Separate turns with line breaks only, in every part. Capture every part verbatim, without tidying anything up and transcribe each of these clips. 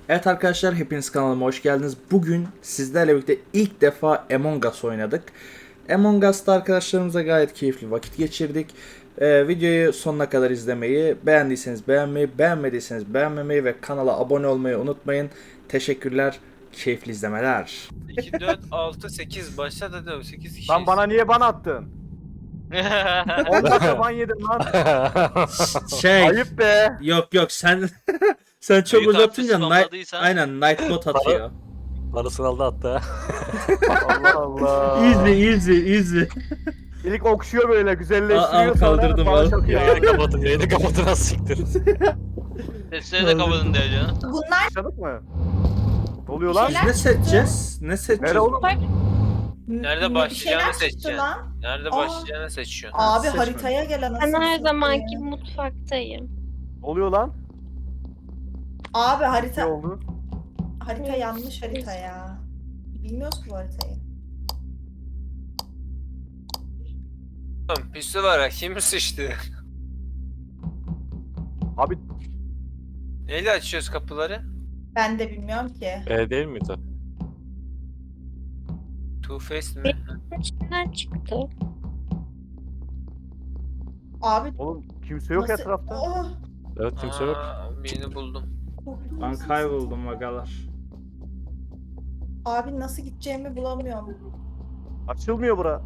Evet arkadaşlar, hepiniz kanalıma hoş geldiniz. Bugün sizlerle birlikte ilk defa Among Us oynadık. Among Us'ta arkadaşlarımızla gayet keyifli vakit geçirdik. Ee, videoyu sonuna kadar izlemeyi, beğendiyseniz beğenmeyi, beğenmediyseniz beğenmemeyi ve kanala abone olmayı unutmayın. Teşekkürler, keyifli izlemeler.
iki, dört, altı, sekiz. Başla hadi sekiz kişiyiz.
Lan bana niye ban attın? on dakika ban yedim lan.
Şey,
Ayıp be.
yok yok sen sen çok
Büyük
uzatınca
harfi
night,
spamladıysan-
aynen Nightbot atıyor.
Parasını aldı hatta.
Allah Allah.
Easy easy easy.
İlk okşuyor böyle güzelleştiriyor
Al, al,
sonra
kaldırdım,
bana
al.
çok iyi
Yayını
abi.
kapatın, yayını kapatın az siktir.
Sesleri de kapatın diye canım.
Bunlar
Yaşadık mı? Ne oluyor lan?
Biz ne seçeceğiz? Ne seçeceğiz?
Nere oğlum?
Nerede
bir
başlayacağını
şeyler çıktı
seçeceksin.
lan.
Nerede
Aa.
başlayacağını seçiyorsun.
Abi
seçme.
haritaya gel anasını
Ben her
satayım.
zamanki mutfaktayım.
Ne oluyor lan?
Abi
Ne
harita
oldu?
harita yanlış harita ya. Bilmiyoruz ki bu haritayı.
Oğlum püsü var ha, kim sıçtı?
Abi
Neyle açıyoruz kapıları?
Ben de bilmiyorum ki.
E değil miydi?
Two Face mi?
İçinden çıktı.
Abi
oğlum kimse yok
nasıl-
etrafta.
Oh,
Evet kimse yok.
Aa, birini buldum.
korktum
Ben
nasıl-
kayboldum agalar.
Abi nasıl gideceğimi bulamıyorum.
Açılmıyor bura.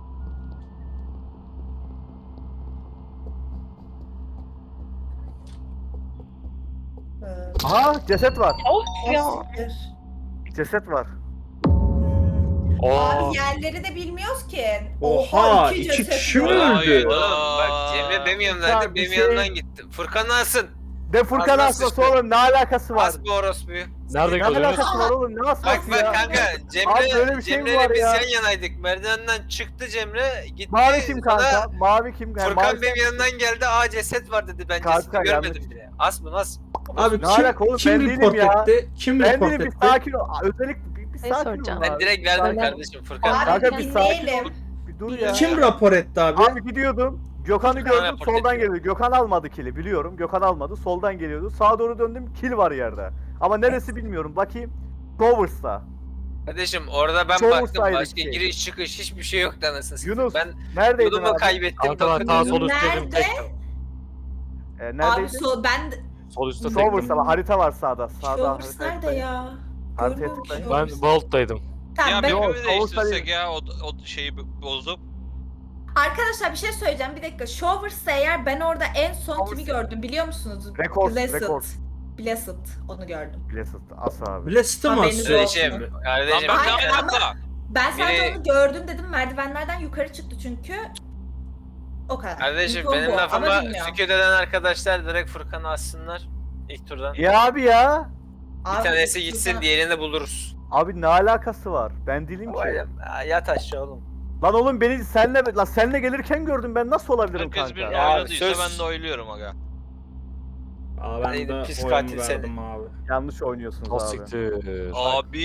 Ee,
Aha ceset var.
Of ya.
oh, siktir.
Ceset var.
Hmm.
Oo.
Abi yerleri de bilmiyoruz ki.
Oha, iki
ceset
kişi
var.
mi öldü?
Oğlum bak Cemre benim yanımdaydı,
Ya, bir
benim
şey-
yanımdan gitti. Furkan alsın.
De Furkan
Ağzına
asması
sıçtı.
oğlum ne alakası var?
Az bu orospuyu.
Nerede
Ne
kalıyorsunuz?
alakası var oğlum ne
Bak
asması
bak
ya?
kanka
Abi
Cemre,
böyle bir şey mi
Cemre'yle
var
biz
ya?
yan yanaydık. Merdivenden çıktı Cemre, gitti.
Mavi kim
sonra
kanka? Mavi kim? Yani
Furkan
mavi-
benim yanından geldi. Aa ceset var dedi. Ben
Kanka,
cesedi görmedim
yanlış.
bile. As mı as?
Abi
Ne
kim,
alaka oğlum,
kim
ben değilim
report
ya.
etti? Kim
Ben
report
dedim bir
etti?
sakin ol. Özellikle bir, bir
Ne
sakin
soracağım?
ol
Ben
abi.
direkt verdim
Sakin-
kardeşim Furkan.
Abi
Kanka bir sakin ol.
dinleyelim.
Bir dur ya.
Kim rapor etti abi?
Abi gidiyordum. Gökhan'ı
Gökhan
gördüm
rapor
soldan
ediyor.
geliyordu. Gökhan almadı kili biliyorum. Gökhan almadı. Soldan geliyordu. Sağa doğru döndüm. Kil var yerde. Ama neresi bilmiyorum. Bakayım. Towers'ta.
Kardeşim orada ben
Çoğu
baktım.
saydık
Başka
ki.
giriş çıkış hiçbir şey yoktu anasını satayım.
Yunus,
Ben
Neredeydin
yolumu
abi?
kaybettim.
Kanka ben
bakın.
sağ sol üstteydim
Nerede?
tektim.
Ee,
Abi
neredeydin?
so ben
Sol üstte tektim.
Towers'ta bak, harita var sağda. Sağda
Showers
haritaya
nerede
tıklayın.
ya?
Haritaya
Görmüyorum
tıklayın.
Ben
Showers.
Vault'taydım.
Tamam,
Ya
ben...
Yok,
birbirimizi değiştirsek
olsaydı-
ya o, o şeyi bo- bozup.
Arkadaşlar bir şey söyleyeceğim bir dakika. Showers'sa eğer ben orada en son kimi
Showers-
gördüm biliyor musunuz?
Record,
Blessed.
record.
Blessed onu gördüm.
Blessed. As abi.
Blast'ı mı
Haberiniz
asıyor
olsun.
şimdi?
Kardeşim,
Lan
kardeşim.
ben
Hayır,
ne
ama-
yaptım?
Ben sadece
Biri-
onu gördüm dedim merdivenlerden yukarı çıktı çünkü. O kadar.
Kardeşim
İnfom
benim
bu,
lafıma
ama bilmiyorum.
sükut eden arkadaşlar direkt Furkan'ı assınlar. İlk turdan.
Ya abi ya.
Bir
Abi,
tanesi gitsin
Furkan-
diğerini buluruz.
Abi ne alakası var? Ben değilim ki.
Oğlum, yat aşağı oğlum.
Lan oğlum beni senle lan senle gelirken gördüm ben nasıl olabilirim
Herkes
kanka?
birini
Ya
oyladıysa
söz-
ben de oyluyorum aga.
Aa, ben
Neydi,
de
pis
oyumu
katil seni.
verdim abi.
Yanlış oynuyorsunuz
Az
abi.
siktir.
Abi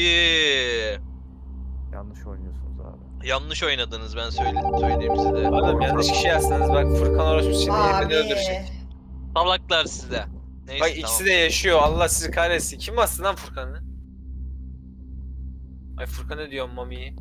Yanlış oynuyorsunuz abi.
yanlış oynadınız ben söyle söyleyeyim size.
Oğlum yanlış kişi yazsanız bak Furkan orospu şimdi
Abi.
beni öldürecek.
Salaklar size. Neyse
Bak
tamam.
ikisi de yaşıyor. Allah sizi kahretsin. Kim bastı lan Furkan'ı? Ay Furkan'ı diyorum Mami'yi.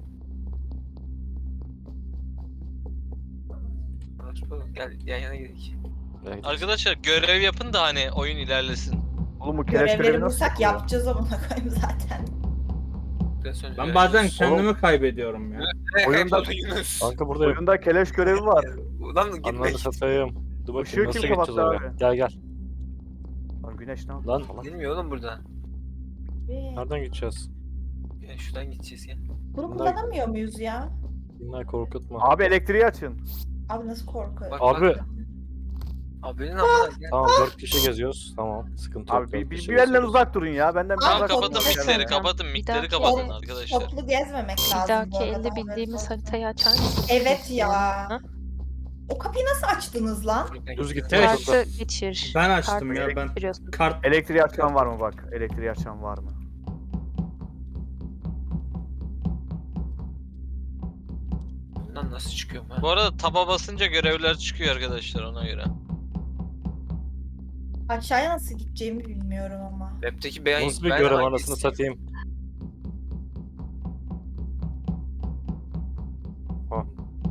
Orospu, gel yan yana gidelim.
Arkadaşlar görev yapın da hani oyun ilerlesin.
Oğlum bu keleş görevi
Görevleri
nasıl
bulsak
yapılıyor?
yapacağız ama koyayım zaten.
Biraz önce
Ben bazen
yaşıyorsun.
kendimi kaybediyorum ya.
Nereye
Oyunda-
kayboldun Yunus?
Kanka buradayım.
Oyunda keleş görevi var.
Ulan gitme.
Ananı satayım. Dur
Işığı
bakayım nasıl
kim
geçeceğiz
kapattı
oraya.
abi?
Gel gel.
Lan güneş ne yaptı?
Lan
Bilmiyor oğlum burada.
nereden gideceğiz?
Ya şuradan gideceğiz ya.
Bunu kullanamıyor muyuz ya?
Bunlar korkutma.
Abi elektriği açın.
Abi nasıl korkuyor?
Bak,
Abi
bak. Abi benim amına gel.
tamam dört kişi geziyoruz. Tamam sıkıntı yok.
Abi
dört
bir, bir,
kişi
bir benden
geziyoruz.
uzak durun ya. Benden bir
Abi,
Tamam
uzak
kapatın
çok
durun.
güzel.
mikleri kapatın mikleri
dakika.
kapatın arkadaşlar.
Toplu gezmemek
Bir
lazım bu
dahaki
arada,
elde
haberiniz
bildiğimiz
olsun.
haritayı açar mısın?
Evet ya.
Ha?
O kapıyı nasıl açtınız lan?
Düz git.
Evet.
Kartı geçir.
Ben açtım
Kartı
ya ben.
geçiriyorsun.
Kart
Elektriği açan var mı bak? Elektriği açan var mı?
Lan nasıl çıkıyorum ha?
Bu arada taba basınca görevler çıkıyor arkadaşlar ona göre.
Aşağıya nasıl gideceğimi bilmiyorum ama.
Web'teki ben
Nasıl bir
ben
görev
hangisiyim?
anasını satayım. Ha.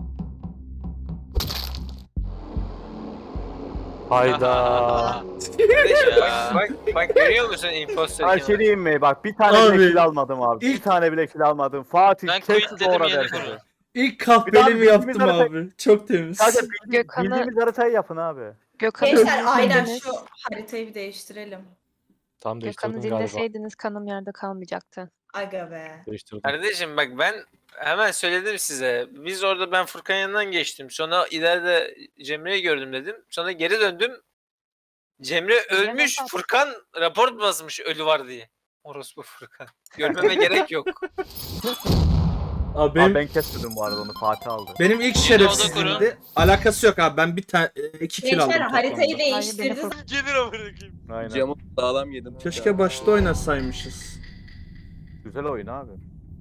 Hayda.
bak, bak, bak görüyor musun imposter
Ay
kim?
şey diyeyim mi? Bak bir tane
Abi,
bile kill almadım abi.
ilk-
Bir tane bile kill almadım. Fatih
Ben
kesin
quitledim
doğru
yeni
herkese.
konu.
İlk
Bir
kahvelimi
daha
yaptım
bildiğimiz
abi. Çok temiz.
Sadece bildi-
Gökhan'ı-
bildiğimiz haritayı yapın abi.
Gökhan'ı
Gençler aynen
dinleseydiniz,
şu haritayı bir değiştirelim.
Tam
Gökhan'ı
değiştirdim galiba.
dinleseydiniz kanım yerde kalmayacaktı.
Aga be.
Değiştirdim.
Kardeşim bak ben hemen söyledim size. Biz orada ben Furkan yanından geçtim. Sonra ileride Cemre'yi gördüm dedim. Sonra geri döndüm. Cemre ölmüş.
bak.
Furkan rapor basmış ölü var diye. Orospu Furkan. Görmeme gerek yok.
Abi
Abi
benim,
ben kesmedim bu arada onu Fatih aldı.
benim ilk
Yeni
şerefsizliğimdi. Alakası yok abi. Ben bir tane iki kill aldım.
Gençler haritayı
toplamda.
değiştirdi.
Furkan-
Gelir amına koyayım.
Aynen.
Camı sağlam yedim.
Keşke başta oynasaymışız.
Güzel oyun abi.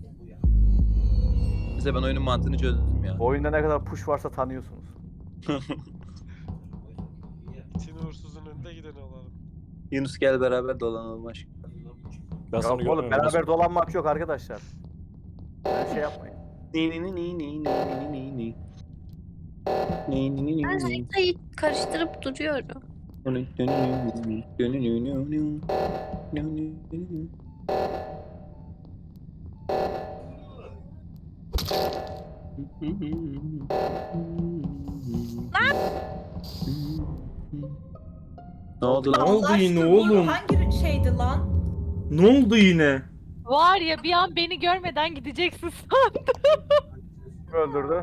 Bize ben oyunun mantığını çözdüm ya.
Bu oyunda ne kadar push varsa tanıyorsunuz.
Seni uğursuzun önünde giden olalım.
Yunus gel beraber dolanalım aşkım.
Ben
Ya
sana
oğlum
görmüyorum.
beraber dolanmak yok arkadaşlar. Böyle şey yapmayın.
Ni ni ni ni ni ni ni ni. Ni ni ni ni
Ben
ni.
haritayı karıştırıp duruyorum.
Ne oldu lan?
Ne oldu
Allah
yine
aşkına, bu
oğlum?
hangi şeydi lan?
Ne oldu yine?
Var ya bir an beni görmeden gideceksin sandım.
Öldürdü.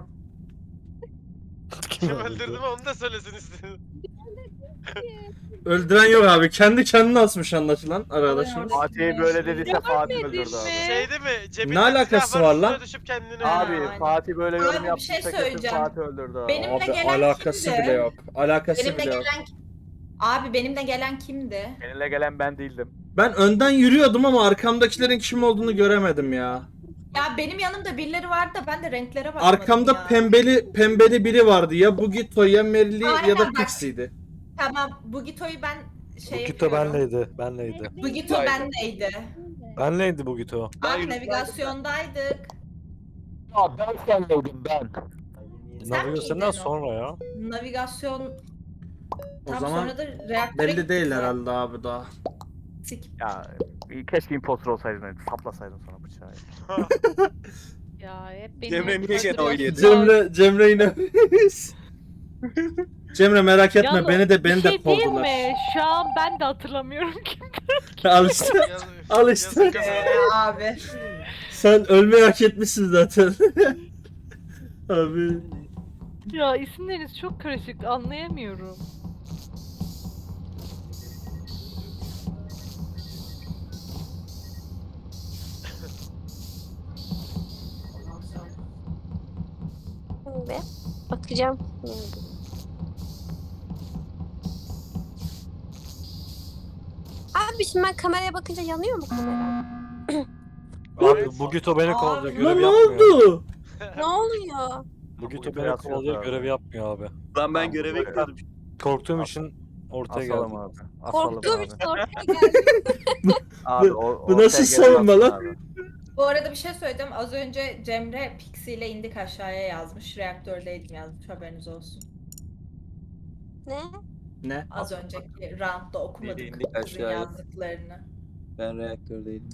Kim öldürdü mü onu da söylesin istedim.
Öldüren yok abi. Kendi kendine asmış anlaşılan arkadaşımız.
Fatih'e böyle dediyse Fatih öldürdü abi.
Şey değil mi? Cebinde
Ne alakası
silah
var
üstüne
lan?
Düşüp kendini
Abi
Aynen.
Fatih böyle yorum
Abi, bir şey
yaptıysa kesin
söyleyeceğim.
Fatih öldürdü abi.
Benim-
Abi
gelen
alakası
kimdi?
bile yok. Alakası
Benimle
bile yok.
gelen Abi benimle gelen kimdi?
Benimle gelen ben değildim.
Ben önden yürüyordum ama arkamdakilerin kim olduğunu göremedim ya.
Ya benim yanımda birileri vardı da ben de renklere bakmadım
Arkamda
ya.
pembeli pembeli biri vardı. Ya Bugito ya Merli ya
Aynen
da
bak.
Pixie'ydi.
Tamam, Bugito'yu ben şey
Bugito
yapıyorum.
benleydi. Benleydi.
Bugito bendeydi.
Benleydi Bugito.
Abi navigasyondaydık.
Aa ben sendeydim ben.
Navigasyondan
miydin o?
sonra ya.
Navigasyon
O
tam
zaman
sonra da reaktöre
belli
gittik
değil
zaten.
herhalde abi daha.
Sik.
Ya keşke impostor olsaydın. Saplasaydın sonra bıçağı.
Ya hep beni
Cemre niye gene oy yedi?
Cemre Cemre yine. Cemre merak etme
Yalnız
beni de beni
bir
de
şey diyeyim
kovdular.
mi? Şu an ben de hatırlamıyorum ki.
Al işte.
Yazık-
Al işte.
yazık kızım.
Ee, abi.
Sen ölmeyi hak etmişsin zaten. Abi.
Ya isimleriniz çok karışık anlayamıyorum.
Ve bakacağım. Abi şimdi ben kameraya bakınca yanıyor mu kamera?
Abi Bugito beni kovalıyor.
Abi,
Görev
Lan ne
yapmıyor.
oldu?
Ne oluyor?
Bugito
Bugito
beni
yazıyor
kovalıyor.
abi.
Görev yapmıyor abi.
Lan ben
Tamam,
göreve
böyle.
gidiyordum.
Korktuğum için ortaya
Asalım
geldim.
abi. Asalım
Korktuğum
abi.
için ortaya geldim.
Abi,
Bu-
o-
bu
ortaya
nasıl
gelen
savunma
atsın
lan?
abi.
Bu arada bir şey söyleyeceğim. Az önce Cemre Pixie ile indik aşağıya yazmış. Reaktördeydim yazmış. Haberiniz olsun.
Ne?
Ne?
Az önceki roundda okumadık
Biri indik
kızın
aşağıya.
yazdıklarını.
Ben reaktördeydim.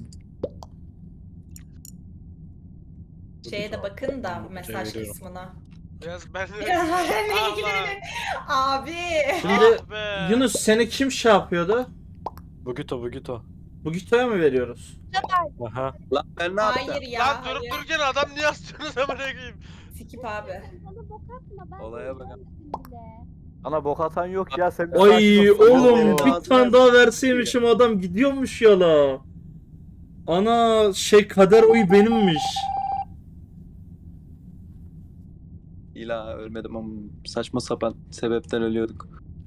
Şeye de bakın da
Ben bu
mesaj
veriyorum.
kısmına.
Biraz ben de...
Ya,
Allah.
ilgilenin. Abi.
Şimdi
Ah be.
Yunus seni kim şey yapıyordu?
Bugito Bugito.
Bu Gito'ya mı veriyoruz?
Aha.
Lan ben ne yaptım?
Hayır ya.
Lan durup
hayır.
dururken adam niye astınız amına koyayım?
Sikip abi.
Olaya bakın.
Ana bok atan yok ya sen. de
Ay
sakin ol.
oğlum
Oo.
bir tane daha verseymişim adam gidiyormuş ya la. Ana şey kader oyu benimmiş.
İla ölmedim ama saçma sapan sebepten ölüyorduk.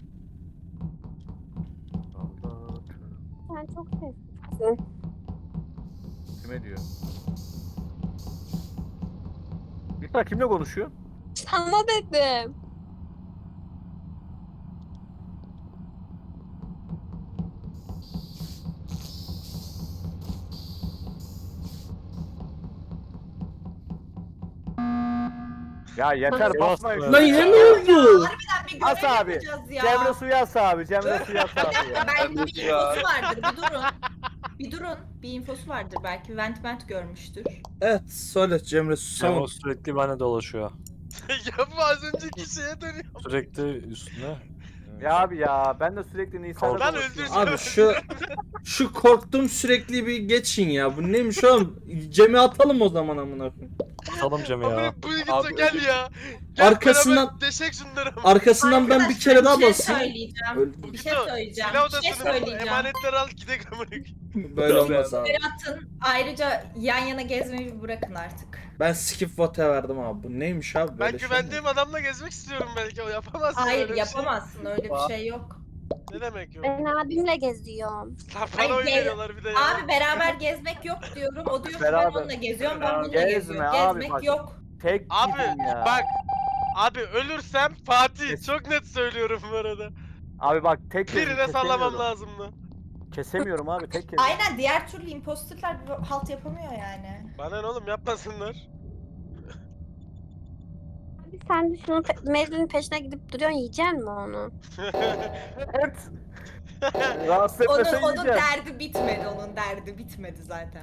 Sen çok seslisin.
Kime diyor? Yusra kimle konuşuyor?
Sana dedim.
Ya yeter
Bas-
basmayın.
Lan
Lan yine ne oldu?
Harbiden bir
As
görev
abi,
yapacağız ya.
Cemre Suyas abi, Cemre Suyas
Bir
abi
dakika
ya.
belki bir
Ya.
infosu vardır. Bir durun. Bir durun. Bir infosu vardır belki. Vent vent görmüştür.
Evet söyle Cemre
Sen o
son.
sürekli bana dolaşıyor.
ya bu az önceki şeye dönüyor.
Sürekli üstüne.
Ya abi ya ben de sürekli Nisan'da
Lan
dolaşıyorum.
öldürsene.
Abi şu şu korktum sürekli bir geçin ya. Bu neymiş oğlum? Cem'i atalım o zaman amına koyayım.
Atalım Cem'i ya.
Abi bu git
Abi,
gel ya. Gel
Arkasından-
beraber deşek şunları.
Arkasından ben bir kere daha
Arkadaşlar,
basayım.
Bir şey söyleyeceğim.
Öldüm.
Bir şey söyleyeceğim.
Silah
Bir şey
odasını
söyleyeceğim.
emanetleri al gidek amına.
Böyle olmaz abi.
Berat'ın ayrıca yan yana gezmeyi bir bırakın artık.
Ben skip vote verdim abi. Bu neymiş abi?
Ben
Böyle şey mi?
güvendiğim adamla gezmek istiyorum belki o yapamaz.
Hayır
öyle bir
yapamazsın öyle bir şey yok.
Şey. Ne demek yok?
Ben abimle geziyorum.
Lan bana
Ay,
oy
gel-
veriyorlar bir de ya.
Abi beraber gezmek yok diyorum. O diyor ki ben
Beraber.
onunla geziyorum, ben bununla
Gezme
geziyorum.
abi,
Gezmek
bak.
yok.
Tek
Abi
gidin ya.
bak. Abi ölürsem Fatih.
Kes-
Çok net söylüyorum bu arada.
Abi bak tek gezin,
Birine sallamam
kesemiyorum.
lazımdı.
Kesemiyorum abi tek kez.
Aynen diğer türlü imposterlar bir halt yapamıyor yani.
Bana ne oğlum yapmasınlar.
Abi sen de şunun pe- Mary'nin peşine gidip duruyorsun, yiyecek mi onu?
Evet. Rahatsız
Onun,
etmesen
onun
yiyeceğim.
derdi bitmedi, onun derdi bitmedi zaten.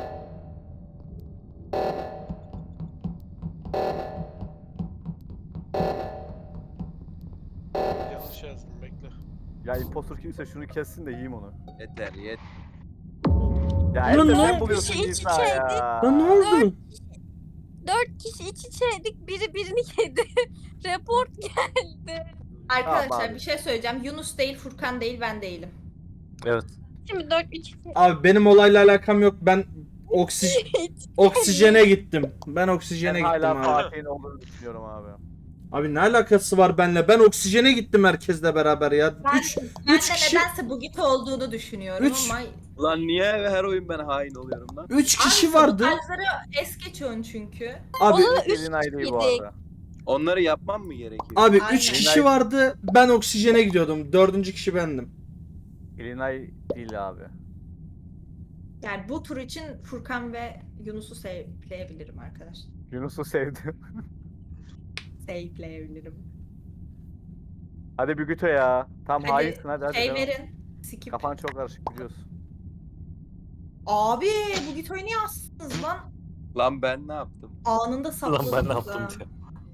Yanlış yazdım bekle.
Ya impostor kimse şunu kessin de yiyeyim onu.
Yeter yet.
Ya
Ulan
Elde
ne
sen
oldu?
buluyorsun
İç içe
Nisa ya.
Lan ne oldu?
Dört kişi iç içeydik, biri birini yedi. Report geldi.
Arkadaşlar
Tamam abi.
bir şey söyleyeceğim. Yunus değil, Furkan değil, ben değilim.
Evet.
Şimdi dört üç içe...
Abi benim olayla alakam yok. Ben oksi oksijene gittim. Ben oksijene
Ben
gittim
hala
abi.
Fatih'in olduğunu düşünüyorum abi.
Abi ne alakası var benimle? Ben oksijene gittim herkesle beraber ya.
Ben,
Üç,
ben
üç
de
kişi,
nedense Bugit olduğunu düşünüyorum
Üç-
ama...
Lan niye her oyun ben hain oluyorum lan?
üç
Abi
kişi vardı.
sabotajları es geçiyorsun çünkü.
Abi
Ona da üç
Elin ay değil bu
kişiydik.
arada.
Onları yapmam mı gerekiyor?
abi
Aynen.
üç kişi vardı. Ben oksijene gidiyordum. Dördüncü kişi bendim.
Elinay değil abi.
Yani bu tur için Furkan ve Yunus'u save'leyebilirim arkadaşlar.
Yunus'u sevdim.
Save'leyebilirim.
Hadi bir güte ya. Tam
Hadi,
hainsin hadi hadi.
Şey
devam.
verin. Skip.
Kafan çok karışık biliyorsun.
Abi bu Gito'yu niye astınız lan?
Lan ben ne yaptım?
Anında
Lan
sapladınız
ben ne
ha.
yaptım diye.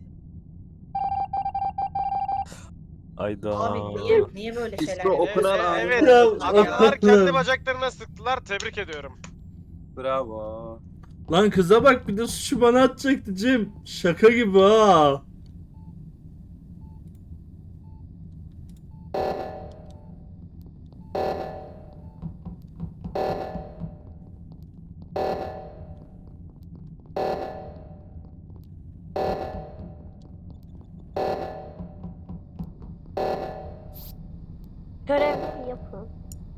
Ayda.
Abi niye, niye böyle şeyler
İsmi
yapıyorsun?
okunan
Evet,
hain.
evet.
Ya,
Adamlar kendi bacaklarına sıktılar. Tebrik ediyorum.
Bravo.
Lan kıza bak bir de suçu bana atacaktı Cem. Şaka gibi ha.
Görevleri yapın.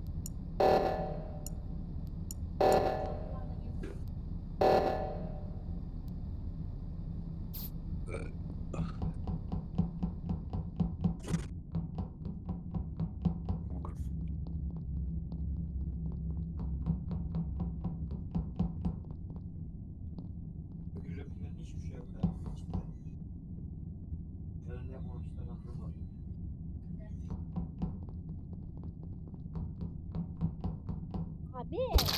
Abi.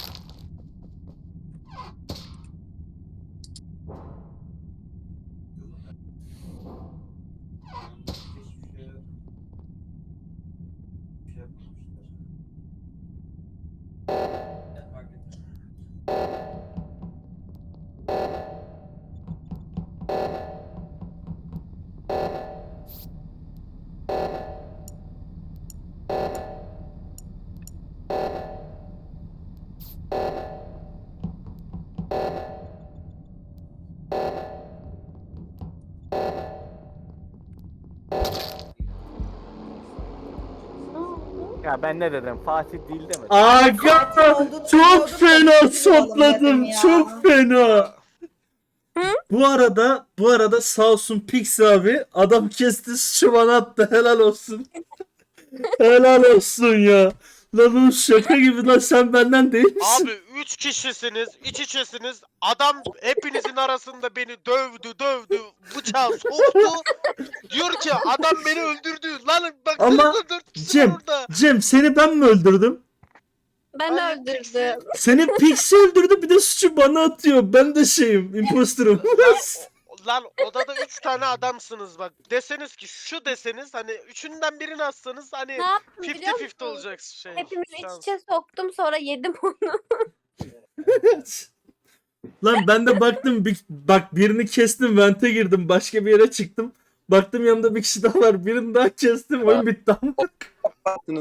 Ne oldu?
Ya ben ne dedim? Fatih değil demedim.
Aga çok fena sapladım. Çok fena. Bu arada bu arada sağ olsun Pix abi adam kesti suçu bana attı helal olsun. Helal olsun ya. Lan oğlum şaka gibi lan, sen benden değil misin?
Abi üç kişisiniz, iç içesiniz. Adam hepinizin arasında beni dövdü, dövdü, bıçağı soktu. Diyor ki adam beni öldürdü. Lan bak
Ama
dört kişi var
Cem,
orada.
Cem seni ben mi öldürdüm?
Ben
Ay,
öldürdüm.
Seni Pixie öldürdü, bir de suçu bana atıyor. Ben de şeyim, imposterım.
Lan odada üç tane adamsınız bak. Deseniz ki şu deseniz hani üçünden birini atsanız hani
Ne yaptım biliyor
elli elli
musun?
olacak şey.
Hepimiz iç
şans.
içe soktum sonra yedim onu.
Lan ben de baktım, bir, bak birini kestim, vente girdim, başka bir yere çıktım. Baktım yanımda bir kişi daha var, birini daha kestim, oyun bitti.